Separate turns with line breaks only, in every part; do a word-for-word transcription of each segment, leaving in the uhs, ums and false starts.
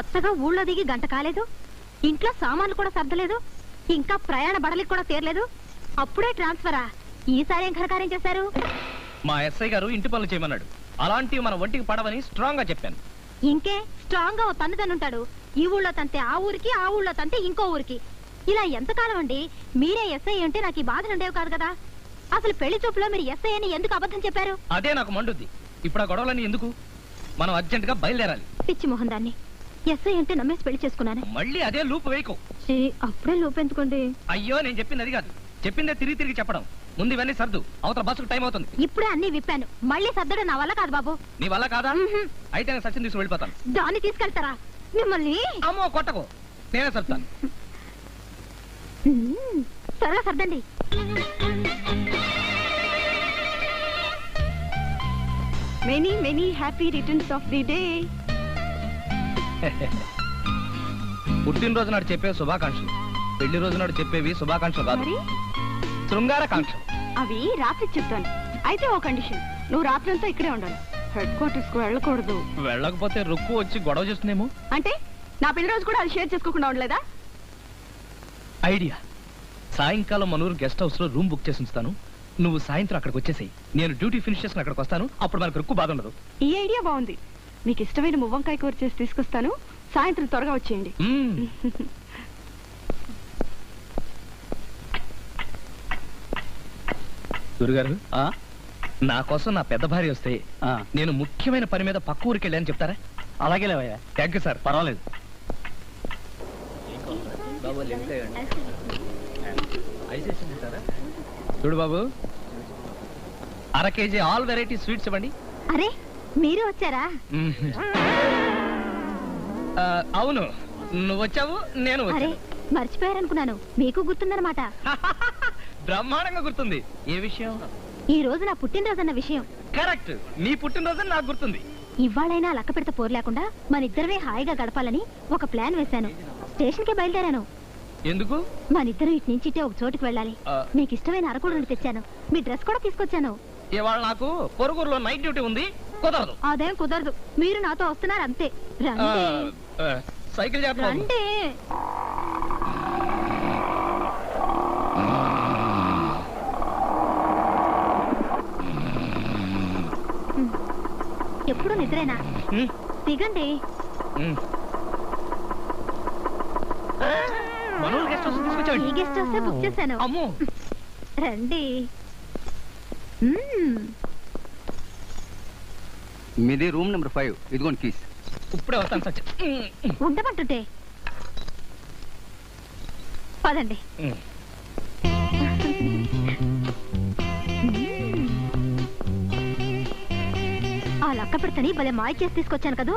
కొత్తగా ఊళ్ళో దిగి గంట కాలేదు, ఇంట్లో సామాన్లు కూడా సర్దలేదు, ఇంకా ప్రయాణ బడలికి కూడా తీరలేదు, అప్పుడే ట్రాన్స్ఫరా? ఈసారి ఏం ఘనకార్యం చేశారు?
మా ఎస్ఐ గారు ఇంటి పనులు చేయమన్నాడు. అలాంటివి మన ఒంటికి పడవని స్ట్రాంగ్ గా చెప్పాను.
ఇంకే స్ట్రాంగ్ గా ఓ తన్ను తన్నుంటాడు. ఈ ఊళ్ళో తంతే ఆ ఊరికి, ఆ ఊళ్ళో తంతే ఇంకో ఊరికి. ఇలా ఎంతకాలం అండి? మీరే ఎస్ఐ అంటే నాకు ఈ బాధలు ఉండేవి కాదు కదా. అసలు పెళ్లి చూపులో మీరు ఎస్ఐ అని ఎందుకు అబద్ధం చెప్పారు?
అదే నాకు మండుద్ది. ఇప్పుడు ఆ గొడవలని ఎందుకు? మనం అర్జెంట్ గా బయలుదేరాలి.
పిచ్చి మొహం దాన్ని. ఎస్ఐ అంటే నమ్మేసి పెళ్లి చేసుకున్నాను.
మళ్ళీ అదే లూప్ వేయకు.
అప్పుడే లూప్ ఎందుకోండి?
అయ్యో, నేను చెప్పింది అది కాదు. చెప్పిందే తిరిగి తిరిగి చెప్పడం. ముందు ఇవన్నీ సర్దు, అవతల బస్సుకు టైం అవుతుంది.
ఇప్పుడే అన్ని విప్పాను, మళ్ళీ సర్దడం నా వల్ల కాదు బాబు.
నీ వల్ల కాదా? అయితే నేను సచిన్ తీసుకు వెళ్ళిపోతాను.
దాన్ని తీసుకెళ్తారా? మిమ్మల్ని
అమ్మో కొట్టకు, నేనే సర్తాను.
త్వరగా సర్దండి.
Many many happy returns of the day.
పుట్టినరోజు నాడు చెప్పే శుభాకాంక్షలు, పెళ్లి రోజు నాడు చెప్పేవి శుభాకాంక్షలు కాదు, శృంగారకాంక్షలు.
అవి రాత్రి చెప్తాను. అయితే ఓ కండిషన్, నువ్వు రాత్రంతా ఇక్కడే ఉండాలి, హెడ్ క్వార్టర్స్ కు వెళ్ళకూడదు.
వెళ్ళకపోతే రుక్కు వచ్చి గొడవ చేస్తుందేమో.
అంటే నా పెళ్లి రోజు కూడా అది షేర్ చేసుకోకుండా ఉండలేదా?
ఐడియా. సాయంకాలం మనూరు గెస్ట్ హౌస్ లో రూమ్ బుక్ చేసి ఉంచుతాను. నువ్వు సాయంత్రం అక్కడికి వచ్చేసేయి. నేను డ్యూటీ ఫినిష్ చేసుకుని అక్కడికి వస్తాను. అప్పుడు మనకు రుక్కు బాధ ఉండదు.
ఈ ఐడియా బాగుంది. మీకు ఇష్టమైన మువ్వంకాయ కూర చేసి తీసుకొస్తాను. సాయంత్రం త్వరగా వచ్చేయండి.
గురుగారు, నా కోసం నా పెద్ద భార్య వస్తే నేను ముఖ్యమైన పని మీద పక్క ఊరికి వెళ్ళాను చెప్తారా? అలాగే లేవయ్యా. Thank you sir. పర్వాలేదు. చూడు బాబు, అర కేజీ ఆల్ వెరైటీ స్వీట్స్ ఇవ్వండి.
అరే, మీరు వచ్చారా?
అవును, నువ్వు వచ్చావు, నేను
అరే మర్చిపోయారనుకున్నాను. మీకు గుర్తుందన్నమాట.
బ్రహ్మాండంగా గుర్తుంది. ఏ విషయం?
ఈ రోజు నా పుట్టినరోజు అన్న విషయం.
కరెక్ట్, నీ పుట్టినరోజు నాకు గుర్తుంది.
ఇవాళైనా లక్క పెడత పోరు లేకుండా మన ఇద్దరమే హాయిగా గడపాలని ఒక ప్లాన్ వేశాను. స్టేషన్ కి బయలుదేరాను.
ఎందుకు?
మన ఇద్దరు ఇటు నుంచి ఇటే ఒక చోటుకి వెళ్ళాలి. మీకు ఇష్టమైన అరకుడు తెచ్చాను. మీ డ్రెస్ కూడా తీసుకొచ్చాను.
ఇవాళ నాకు పొరుగురులో నైట్ డ్యూటీ ఉంది, కుదరదు.
అదేం కుదరదు, మీరు నాతో వస్తున్నారు అంతే.
సైకిల్
రండి. ఎప్పుడు నిద్రేనా? దిగండి. ఈ గెస్ట్ హౌస్ బుక్ చేశాను. రండి.
మీది రూమ్ నెంబర్ ఫైవ్. ఇదిగోండి కీస్.
ఇప్పుడే వస్తాను సచ్.
ఉండమంటుంటే పదండి. ఆ లక్క పెడతని భలే మాయ చేసి తీసుకొచ్చాను కదూ.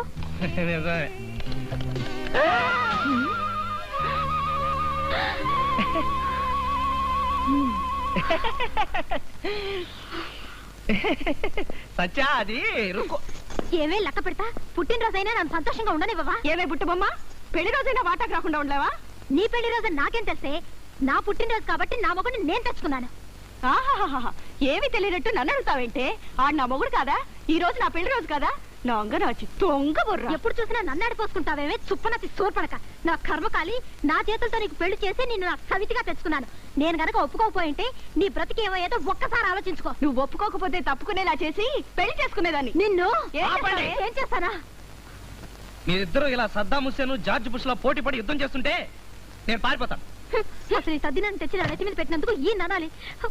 సచ్చా, అది
ఏమే లక్క పెడతా, పుట్టినరోజైనా నన్ను సంతోషంగా ఉండనివ్వవా?
ఏమే బుట్టబొమ్మ, పెళ్లి రోజైనా వాటాకు రాకుండా ఉండలేవా?
నీ పెళ్లి రోజు నాకేం తెలిసే? నా పుట్టినరోజు కాబట్టి నా మొగుడిని నేను తెచ్చుకున్నాను.
ఆహాహా, ఏమి తెలియనట్టు నన్ను అడుగుతావేంటే? ఆడు నా మొగుడు కాదా? ఈ రోజు నా పెళ్లి రోజు కదా? నా అంగనాచి తొంగ బుర్ర.
ఎప్పుడు చూసినా నన్ను ఆడిపోసుకుంటావేమే చుప్పనతి సోర్పడక. నా కర్మకాలి, నా చేతులతో నీకు పెళ్లి చేసి నిన్ను నాకు సవితిగా తెచ్చుకున్నాను. నేను గనక ఒప్పుకోకపోయింటే నీ బ్రతికి ఏమయ్యేదో ఒక్కసారి ఆలోచించుకో.
నువ్వు ఒప్పుకోకపోతే తప్పుకునేలా చేసి పెళ్లి చేసుకునేదాన్ని.
నిన్ను ఏం చేస్తానా?
మీరిద్దరూ ఇలా సద్దాం హుస్సేన్, జార్జ్ బుష్ లో పోటీ పడి యుద్ధం చేస్తుంటే నేను పారిపోతాను.
అసలు ఈ తద్దినాన్ని తెచ్చి నా నెత్తి మీద పెట్టినందుకు ఈ ననాలి.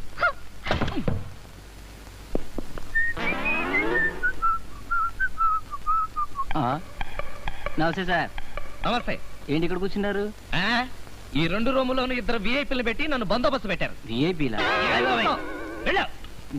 నమస్తే సార్.
నమస్తే.
ఏంటి ఇక్కడ కూర్చున్నారు?
ఈ రెండు రూములోను ఇద్దరు విఐపీలు పెట్టి నన్ను బందోబస్తు పెట్టారు.
విఐపీలా?